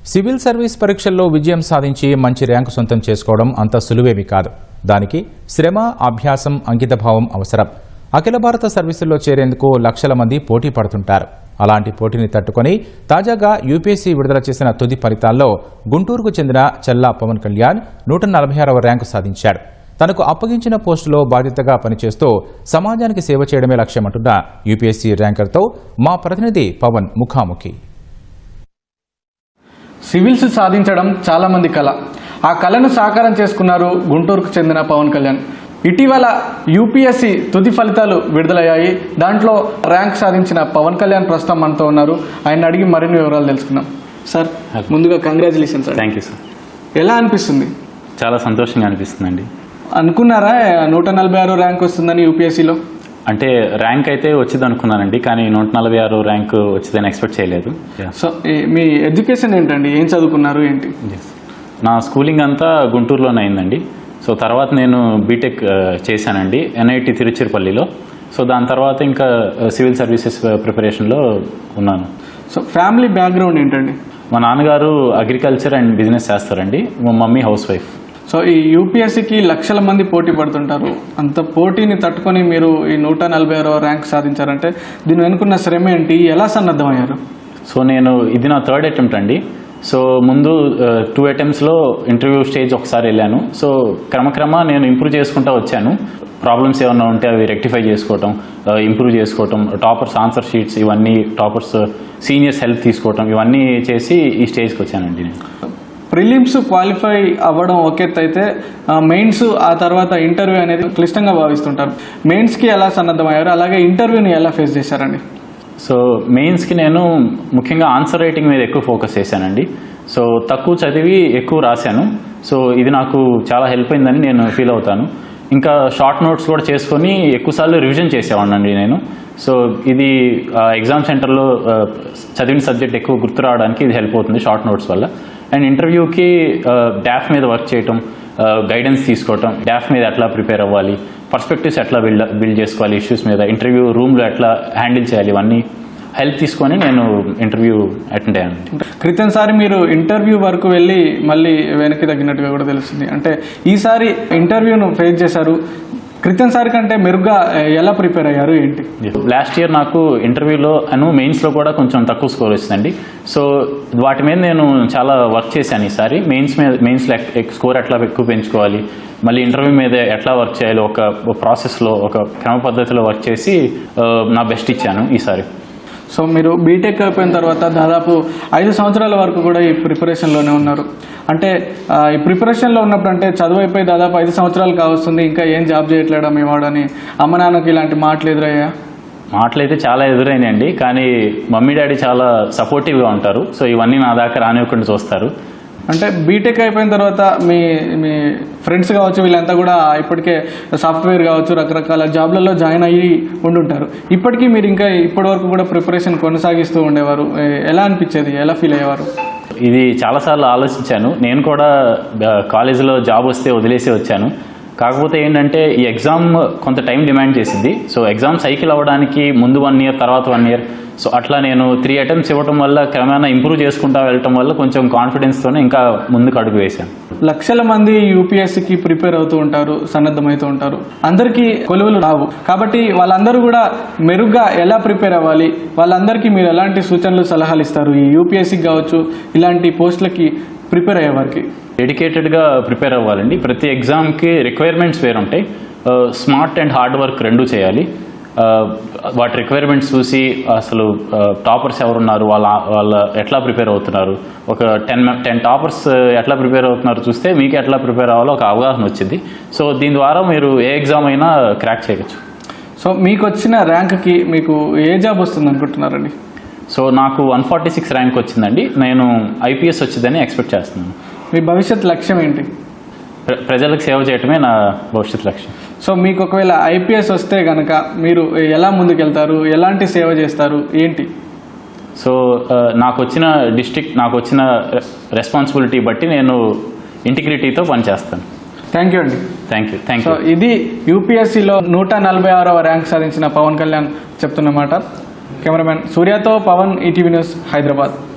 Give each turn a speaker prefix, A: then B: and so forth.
A: Civil service పరీక్షల్లో విజయం సాధించి మంచి ర్యాంకు సొంతం చేసుకోవడం అంత సులువేమీ కాదు. దానికి శ్రమ, అభ్యాసం, అంకితభావం అవసరం. అఖిల భారత సర్వీసుల్లో చేరేందుకు లక్షల మంది పోటీ పడుతుంటారు. అలాంటి పోటీని తట్టుకొని తాజాగా యూపీఎస్సీ విడుదల చేసిన తుది ఫలితాల్లో గుంటూరుకు చెందిన చల్లా పవన్ కళ్యాణ్ 146వ ర్యాంకు సాధించాడు. తనకు అప్పగించిన పోస్టులో బాధ్యతగా పనిచేస్తూ సమాజానికి సేవ చేయడమే లక్ష్యమంటున్న యూపీఎస్సీ ర్యాంకర్తో మా ప్రతినిధి పవన్ ముఖాముఖి.
B: సివిల్స్ సాధించడం చాలా మంది కళ. ఆ కళను సాకారం చేసుకున్నారు గుంటూరుకు చెందిన పవన్ కళ్యాణ్. ఇటీవల యూపీఎస్సీ తుది ఫలితాలు విడుదలయ్యాయి. దాంట్లో ర్యాంక్ సాధించిన పవన్ కళ్యాణ్ ప్రస్తుతం మనతో ఉన్నారు. ఆయన అడిగి మరిన్ని వివరాలు తెలుసుకుందాం. సార్, ముందుగా కంగ్రాచులేషన్స్.
C: Thank you sir.
B: ఎలా అనిపిస్తుంది?
C: చాలా సంతోషంగా అనిపిస్తుందండి.
B: అనుకున్నారా 146 ర్యాంక్ వస్తుందని యూపీఎస్సీలో?
C: అంటే ర్యాంక్ అయితే వచ్చింది అనుకున్నానండి, కానీ 146 ర్యాంక్ వచ్చిందని ఎక్స్పెక్ట్ చేయలేదు.
B: సో మీ ఎడ్యుకేషన్ ఏంటండి? ఏం చదువుకున్నారు ఏంటి?
C: నా స్కూలింగ్ అంతా గుంటూరులోనే అయిందండి. సో తర్వాత నేను బీటెక్ చేశానండి ఎన్ఐటి తిరుచిరపల్లిలో. సో దాని తర్వాత ఇంకా సివిల్ సర్వీసెస్ ప్రిపరేషన్లో ఉన్నాను.
B: సో ఫ్యామిలీ బ్యాక్గ్రౌండ్ ఏంటండి?
C: మా నాన్నగారు అగ్రికల్చర్ అండ్ బిజినెస్ చేస్తారండి. మా మమ్మీ హౌస్ వైఫ్.
B: సో ఈ యూపీఎస్సీకి లక్షల మంది పోటీ పడుతుంటారు. అంత పోటీని తట్టుకొని మీరు ఈ 146వ ర్యాంక్ సాధించారంటే దీని వెనుకున్న శ్రమ ఏంటి? ఎలా సన్నద్ధమయ్యారు?
C: సో ఇది నా థర్డ్ అటెంప్ట్ అండి. సో ముందు 2 అటెంప్ట్స్లో ఇంటర్వ్యూ స్టేజ్ ఒకసారి వెళ్ళాను. సో క్రమక్రమా నేను ఇంప్రూవ్ చేసుకుంటూ వచ్చాను. ప్రాబ్లమ్స్ ఏమన్నా ఉంటే అవి రెక్టిఫై చేసుకోవటం, ఇంప్రూవ్ చేసుకోవటం, టాపర్స్ ఆన్సర్ షీట్స్ ఇవన్నీ, టాపర్స్ సీనియర్స్ హెల్ప్ తీసుకోవటం, ఇవన్నీ చేసి ఈ స్టేజ్కి వచ్చానండి నేను.
B: ప్రిలిమ్స్ క్వాలిఫై అవ్వడం ఒక ఎత్తు అయితే మెయిన్స్, ఆ తర్వాత ఇంటర్వ్యూ అనేది క్లిష్టంగా భావిస్తుంటారు. మెయిన్స్కి ఎలా సన్నద్ధమయ్యారు, అలాగే ఇంటర్వ్యూని ఎలా ఫేస్ చేశారండి?
C: సో మెయిన్స్కి నేను ముఖ్యంగా ఆన్సర్ రైటింగ్ మీద ఎక్కువ ఫోకస్ చేశానండి. సో తక్కువ చదివి ఎక్కువ రాశాను. సో ఇది నాకు చాలా హెల్ప్ అయిందని నేను ఫీల్ అవుతాను. ఇంకా షార్ట్ నోట్స్ కూడా చేసుకొని ఎక్కువసార్లు రివిజన్ చేసేవాడినండి నేను. సో ఇది ఎగ్జామ్ సెంటర్లో చదివిన సబ్జెక్ట్ ఎక్కువ గుర్తు రావడానికి ఇది హెల్ప్ అవుతుంది షార్ట్ నోట్స్ వల్ల. అండ్ ఇంటర్వ్యూకి డాఫ్ మీద వర్క్ చేయటం, గైడెన్స్ తీసుకోవటం, డాఫ్ మీద ఎట్లా ప్రిపేర్ అవ్వాలి, పర్స్పెక్టివ్స్ ఎట్లా బిల్డ్ చేసుకోవాలి, ఇష్యూస్ మీద ఇంటర్వ్యూ రూమ్లో ఎట్లా హ్యాండిల్ చేయాలి, ఇవన్నీ హెల్ప్ తీసుకొని నేను ఇంటర్వ్యూ అటెండ్ అయ్యాను.
B: క్రితంసారి మీరు ఇంటర్వ్యూ వరకు వెళ్ళి మళ్ళీ వెనక్కి తగ్గినట్టుగా కూడా తెలుస్తుంది. అంటే ఈసారి ఇంటర్వ్యూను ఫేస్ చేశారు. క్రితంసారి కంటే మెరుగ్గా ఎలా ప్రిపేర్ అయ్యారు ఏంటి?
C: లాస్ట్ ఇయర్ నాకు ఇంటర్వ్యూలో మెయిన్స్లో కూడా కొంచెం తక్కువ స్కోర్ వచ్చిందండి. సో వాటి మీద నేను చాలా వర్క్ చేశాను. ఈసారి మెయిన్స్లో స్కోర్ ఎట్లా ఎక్కువ పెంచుకోవాలి, మళ్ళీ ఇంటర్వ్యూ మీద ఎట్లా వర్క్ చేయాలి, ఒక ప్రాసెస్లో ఒక క్రమ పద్ధతిలో వర్క్ చేసి నా బెస్ట్ ఇచ్చాను ఈసారి.
B: సో మీరు బీటెక్ అయిపోయిన తర్వాత దాదాపు 5 సంవత్సరాల వరకు కూడా ఈ ప్రిపరేషన్లోనే ఉన్నారు. అంటే ఈ ప్రిపరేషన్లో ఉన్నప్పుడు అంటే చదువు అయిపోయి దాదాపు 5 సంవత్సరాలు కావస్తుంది, ఇంకా ఏం జాబ్ చేయట్లేడా మీ వాడని అమ్మ నాన్నకి ఇలాంటి మాటలు ఎదురయ్యా?
C: మాటలు అయితే చాలా ఎదురైనాయండి, కానీ మమ్మీ డాడీ చాలా సపోర్టివ్గా ఉంటారు. సో ఇవన్నీ నా దాకా రానివ్వకుండా చూస్తారు.
B: అంటే బీటెక్ అయిపోయిన తర్వాత మీ ఫ్రెండ్స్ కావచ్చు, వీళ్ళంతా కూడా ఇప్పటికే సాఫ్ట్వేర్ కావచ్చు రకరకాల జాబ్లలో జాయిన్ అయ్యి ఉండుంటారు. ఇప్పటికీ మీరు ఇంకా ఇప్పటి వరకు కూడా ప్రిపరేషన్ కొనసాగిస్తూ ఉండేవారు. ఎలా అనిపించేది? ఎలా ఫీల్ అయ్యేవారు?
C: ఇది చాలాసార్లు ఆలోచించాను. నేను కూడా కాలేజీలో జాబ్ వస్తే వదిలేసి వచ్చాను. కాకపోతే ఏంటంటే ఈ ఎగ్జామ్ కొంత టైం డిమాండ్ చేసింది. సో ఎగ్జామ్ సైకిల్ అవ్వడానికి ముందు 1 ఇయర్, తర్వాత 1 ఇయర్, సో అట్లా నేను 3 అటెంప్ట్స్ ఇవ్వడం వల్ల క్రమేణా ఇంప్రూవ్ చేసుకుంటూ వెళ్ళటం వల్ల కొంచెం కాన్ఫిడెన్స్తోనే ఇంకా ముందుకు అడుగు వేశాను.
B: లక్షల మంది యూపీఎస్సీకి ప్రిపేర్ అవుతూ ఉంటారు, సన్నద్ధమవుతూ ఉంటారు. అందరికీ కొలువులు రావు కాబట్టి వాళ్ళందరూ కూడా మెరుగ్గా ఎలా ప్రిపేర్ అవ్వాలి, వాళ్ళందరికీ మీరు ఎలాంటి సూచనలు, సలహాలు ఇస్తారు ఈ యూపీఎస్సీకి కావచ్చు ఇలాంటి పోస్టులకి ప్రిపేర్ అయ్యే వారికి?
C: డెడికేటెడ్గా ప్రిపేర్ అవ్వాలండి. ప్రతి ఎగ్జామ్కి రిక్వైర్మెంట్స్ వేరుంటాయి. స్మార్ట్ అండ్ హార్డ్ వర్క్ రెండూ చేయాలి. వాటి రిక్వైర్మెంట్స్ చూసి అసలు టాపర్స్ ఎవరున్నారు, వాళ్ళ ఎట్లా ప్రిపేర్ అవుతున్నారు, ఒక 10 టాపర్స్ ఎట్లా ప్రిపేర్ అవుతున్నారు చూస్తే మీకు ఎట్లా ప్రిపేర్ అవ్వాలో ఒక అవగాహన వచ్చింది. సో దీని ద్వారా మీరు ఏ ఎగ్జామ్ అయినా క్రాక్ చేయవచ్చు.
B: సో మీకు వచ్చిన ర్యాంక్కి మీకు ఏ జాబ్ వస్తుంది అనుకుంటున్నారండి?
C: సో నాకు 146 ర్యాంక్ వచ్చిందండి. నేను ఐపీఎస్ వచ్చిందని ఎక్స్పెక్ట్ చేస్తున్నాను.
B: మీ భవిష్యత్ లక్ష్యం ఏంటి?
C: ప్రజలకు సేవ చేయటమే నా భవిష్యత్ లక్ష్యం.
B: సో మీకు ఒకవేళ ఐపీఎస్ వస్తే కనుక మీరు ఎలా ముందుకెళ్తారు, ఎలాంటి సేవ చేస్తారు ఏంటి?
C: సో నాకు వచ్చిన నాకు వచ్చిన రెస్పాన్సిబిలిటీ బట్టి నేను ఇంటిగ్రిటీతో పనిచేస్తాను.
B: థ్యాంక్ యూ అండి.
C: Thank you.
B: సో ఇది యూపీఎస్సీలో 146వ ర్యాంక్ సాధించిన పవన్ కళ్యాణ్ చెప్తున్నమాట. కెమెరామెన్ సూర్యతో పవన్, ఈటీవీ న్యూస్, హైదరాబాద్.